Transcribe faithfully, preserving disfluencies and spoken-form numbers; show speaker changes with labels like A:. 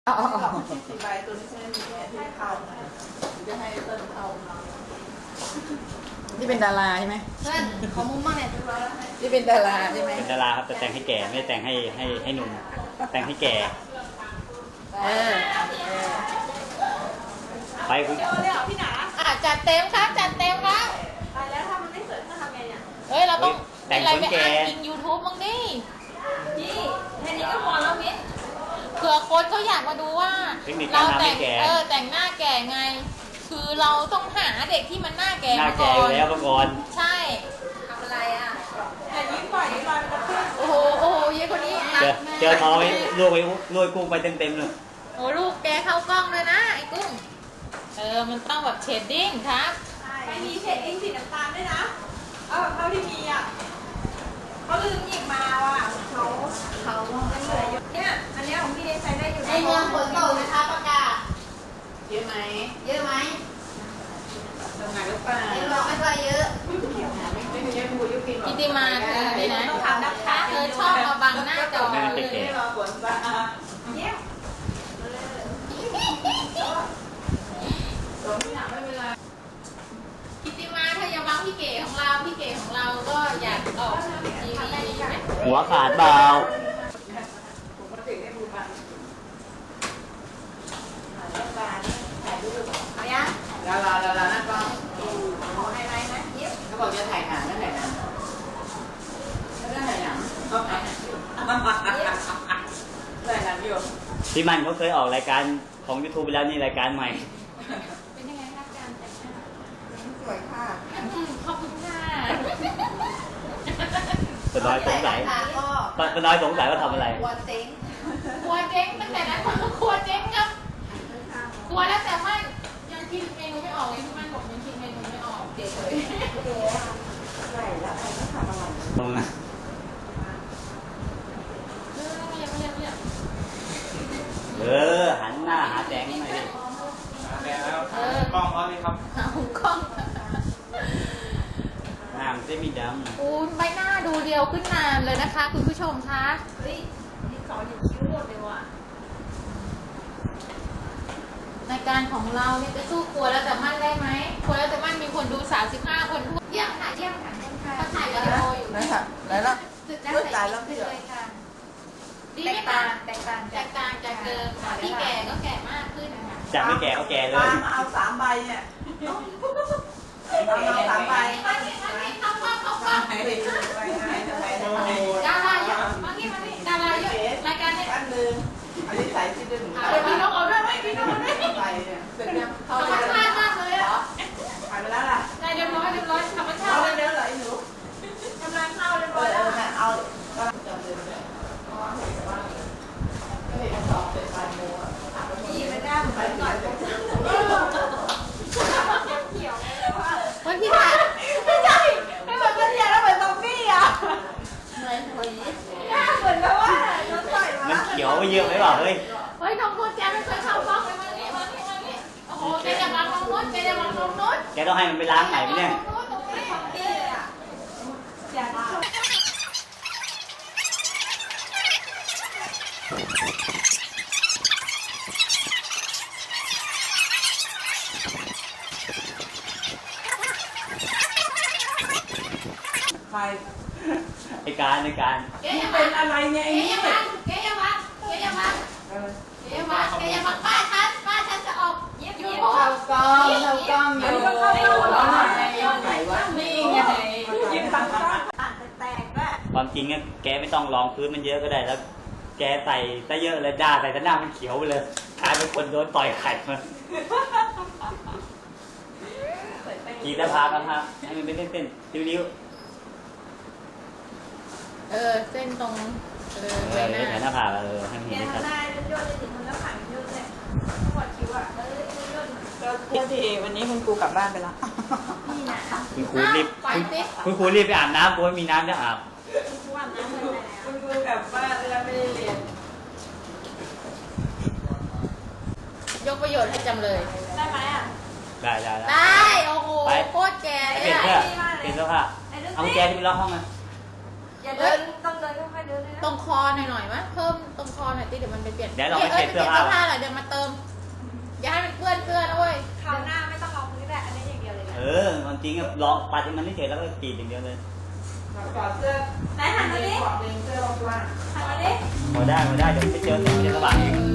A: อ๋อ
B: สี่ใบตัวนี้ใช่ไหมมีแค่ที่เข้าจะให้เติ้ลเข้า
A: นี่เป็นดาราใช่ไหม
B: เติ้ลขอมุมมากเนี่ยตัวแล้ว
A: นี่เป็นดาราใช่ไหม
C: เป็นดาราครับแต่แต่งให้แก่ไม่ได้แต่งให้ให้ให้หนุ่มแต่งให้แก่
A: เออ
C: ไปคุณ
B: เดี๋ยวเลยเหรอพี่หนา
A: อ่ะจัดเต็มครับจัดเต็มครับ
B: ตายแล้วถ้ามันไม่สวยจะทำไงเนี่ย
A: เฮ้ยเราต้อง
C: แต่ง
A: อะไร
C: คน
A: ไป
C: แก่
A: อ่านยิงยูทูบบ้างดิ
B: นี่แค่นี้ก็พอแล้วมิ้น
A: เผื่อคนเขาอยากมาดูว่า
C: เทคนิคกา
A: เรา
C: รทำ
A: แต่
C: ให้
A: ง
C: แก่
A: เออแต่งหน้าแก่ไง คือเราต้องหาเด็กที่มันหน้าแก่
C: หน้า
A: มา
C: แก่
A: ก่
C: อ
A: อน
C: ยู่แล้วเมื่อก่อน
A: ใช่
B: ทำอะไรอ่ะแต่ยิ้มปล่อยลอยมันจะขึ้น
A: โอ้โหโอ้โหเยอะคนนี้
C: เจอเจอท้องไว้ลวกไว้ลวกกุ้งไปเต็มเต็มๆเลย
A: โอ้ลูกแกเข้ากล้องเลยนะไอ้กุ้งเออมันต้องแบบเชดดิ้งครับ
B: ไม่มีเชดดิ้งสีน้ำตาลด้วยนะเอาแบบเท่าที่มีอ่ะเขาลืมหยิบมาว่ะเขาเขาไม่เหลืออยู่เนี่ยอันนี้ของพี่เดชใช้ได้อยู่
D: ในเมืองฝนตกนะคะประกาศ
A: เยอะไหม
D: เยอะไหม
A: ทำงานหรือเปล่า
D: ในเมืองไม่ค่อยเยอะ
A: กิติมาเธอนี่นะเธอชอบมาบังหน้าจอ
C: ไม่
A: เล
C: เป็น
A: ย
C: แก่
B: เนี่ย
A: กิติมาเธออย่าบังพี่เก๋ของเราพี่เก๋ของเราก็อยากออกทีวีใช่ไหม
C: หัวขาดเบา
B: ผมก็ถึงได้บูบันแล้วการถ่ายรูปเอายัง
A: ดาราดารานั่นก็
B: ขอไฮไลท์นะเย็บ
A: เขาบอกจะถ่ายหนังนั่นแหละนะไม่ได้ถ่ายหนังถ่ายหนังอยู่ถ่ายหนังอยู่
C: พี่มันเขาเคยออกรายการของ YouTube ไปแล้วนี่รายการใหม่
A: เป็นยังไงคะการแต่งหน้า
B: สวยค่ะ
A: ขอบคุณค่ะ
C: ป้าน้อยสงสัย
D: ค่ะก็
C: ป้าน้อยสงสัยว่าทำอะไร
D: วันเต็ง
A: ครัวเจ๊งตั้งแต่นั้นครัวเจ๊งครับครัวแล้วแต่ไม่ยังคิดเมนูไม่ออกเลยพี่มันบอกยังคิดเมนูไม่ออกเดี๋ยวเลย
B: ไหลละใครก็ทำอะไร
C: ตรงนั้น
A: เออไม่ยังไม่ยังไม่ยัง
C: เออหันหน้าหาแสงหน่อยดิ
A: เออกล้องเขาไหมครับเอากล้อง
C: หน้ามันจะมีด
A: อูใบหน้าดูเดียวขึ้นนานเลยนะคะ คุณผู้ชมคะ
B: เฮ้ยนี่สอนอยู่คิ้วหมดเลยว่ะ
A: รายการของเราเนี่ยจะสู้ครัวแล้วแต่มั่นได้ไหมครัวแล้วแต่มั่นมีคนดูสามสิบห้าคนทั่ว
D: เยี่ยมค่ะเยี่ยมค่ะเยี่ยมค่ะ
A: เขาถ่ายวิดีโออยู่
B: นั่นค่ะไหนล่ะ
D: สุดแล้ว
B: เฮ้ย
D: ใส่
B: ตายแล้ว
D: ไป
B: พี่เหรอ
D: เลยค่ะ
A: ดี
D: แต
A: ไหม
D: ก
A: คะ
D: ต่างแตกต่าง
A: แตกต่างจากเดิมค่ะที่แก่ก็แก่มากขึ้นนะคะ
C: ำจากไม่แก่ก็แก่เล
B: ปาย มาเอาสามใบเนี่ยเอามาสามใบ
A: มานี่มานี่เข้ากล้องเข้ากล้อง
B: ไปไหนไปไหนไปไหน
A: ดาราเยอะมานี่มานี่ดาราเยอะรายการนี้
B: อันหนึ่งอันนี้ใส่ที่ดึง
A: เอาไปพี่นกเอาด้วยไหมพี่นกเอาด้วย
B: ใบเนี่ยเสร็จยัง
A: ธรรมชาติมากเลยอ่ะ
B: ถ่ายไปแล้วล่ะ
A: ได้เรียบร้อยเรียบร้อยธรรมชา
B: เอา
A: ติ
B: เร็วๆเลยหนู
A: กำลังเข้าเรียบ
B: เอ
A: ร้อ
B: อย เอ
A: แล้ว
B: อเอาจำเลยเนี่ยเพราะว่าเห็นว่าก็เห็นสอบเป็นปลายโมอ่ะพี่มันหน้าเหมือนหน่อยเป็นเขียวเลยว่า
A: วันพี่ถ่าย
B: ไม่ใช่ไม่เหมือนกันเนี่ยแล้วเหมือนซอมบี้อ่ะ
A: เหมือนหวี
B: หน้าเหมือนแบบว่าโดนต่อย
C: มั
B: มาน
C: เขียวไปเยอะไหมเปล่าเฮ้ย
A: เฮ้ยน้องคุณแกไม่เคยเข้ากล้องเลยมานี่มานี่มานี่โอ้โหแกจะวางตรงนู้นแกจะวางตรงนู้น
C: แกต้องให้มันไปล้างใหม่ไหมเนี่ย
A: ตรงนู้นตรงนี้
B: พี่อ่ะอยากชมใคร
C: ในการในการ
A: แก
B: นี่
A: อย่า
B: เป็
A: วาน ง
B: อะไรเนี่ย
A: แก
B: ไอ้นี่
A: อย่าวางแกอย่าวางแกอย่าวาง
B: เออ
A: แกอย่าวางแกอย่าวางป้าฉันป้าฉันจะออกยูทูบ
D: เรากล้องเรากล้องอยู่
A: ไหนวะนี่ไง
B: ยิ้มปังปังอ่านแตกๆด้วย
C: ความจริงอะแกไม่ต้องรองพื้นมันเยอะก็ได้แล้ว แกใส่ซะเยอะเลยด่าใส่ซะหน้ามันเขียวไปเลยกลายเป็นคนโดนต่อยไข่มากีตาร์พากันฮะให้มันเป็นเส้นๆริ้ว
A: เออเส้นตรงเออ
C: ๆเอ
A: ใบ
C: อ
A: หน้า
C: แถวหน้าผากเออให้มัน
B: แก
C: เห็นได้ชัด
B: ทำได้โยนเลยถึงมันแล้วผ่านโยนเลยปวดคิ้วอ่ะเออโยนก็เพื่อที่วันนี้คุณครูกลับบ้านไปแล้วนี่นะ
C: คุณครูรีบ
A: ไปสิ
C: คุณครูรีบไปอาบน้ำกลัวไม่มีน้ำจะอาบ
B: คุณครูอาบน้ำเลยคุณครูกลับบ้านแล้วไม่ได้เรียน
A: ยกประโยชน์ให้จำเลย
B: ได้ไหมอ่ะ
C: ได้ได้ได้
A: ได้โอ้โหโคตรแก
C: ไป
A: เลย
C: เปลี่ยน
A: อะ
C: เสื้อเปลี่ยนเสื้อผ้าเอากุญแจที่ไปล็อกห้องมา
B: อย่าเดินต้องเดิเลยค่อยๆเดินเลยนะ
A: ตรงคอหน่อยๆมั้ยเพิ่มตรงคอหน่อยติเดี๋ยวมันไปเปลี่ยน
C: เดี๋ยวเราไป
A: เอ้ย
C: เปลี่ยน
A: ไป
C: เสื้
A: เปลี่
C: อย
A: น
C: ผ้า
A: เสื้อผ้าหน่อยเดี๋ยวมาเติมอย่าให้มันเปื้อนเสื้อนะเว้ย
B: คราวหน้าไม่ต้องลองพื้นแหละอันนี้อย่างเดียวเลยนะ
C: เออความจริงอะลองปัดให้มันเฉยๆแล้วก็กรีดอย่างเดียวเลย
E: ก่อนเสื้อ
B: ไหนหันมาดิ
E: ก่อนเสื้อรองเท้า
B: หันมาดิ
C: พอได้พอได้เดี๋ยวไปเจอแสงจะสว่างอีก
A: เอ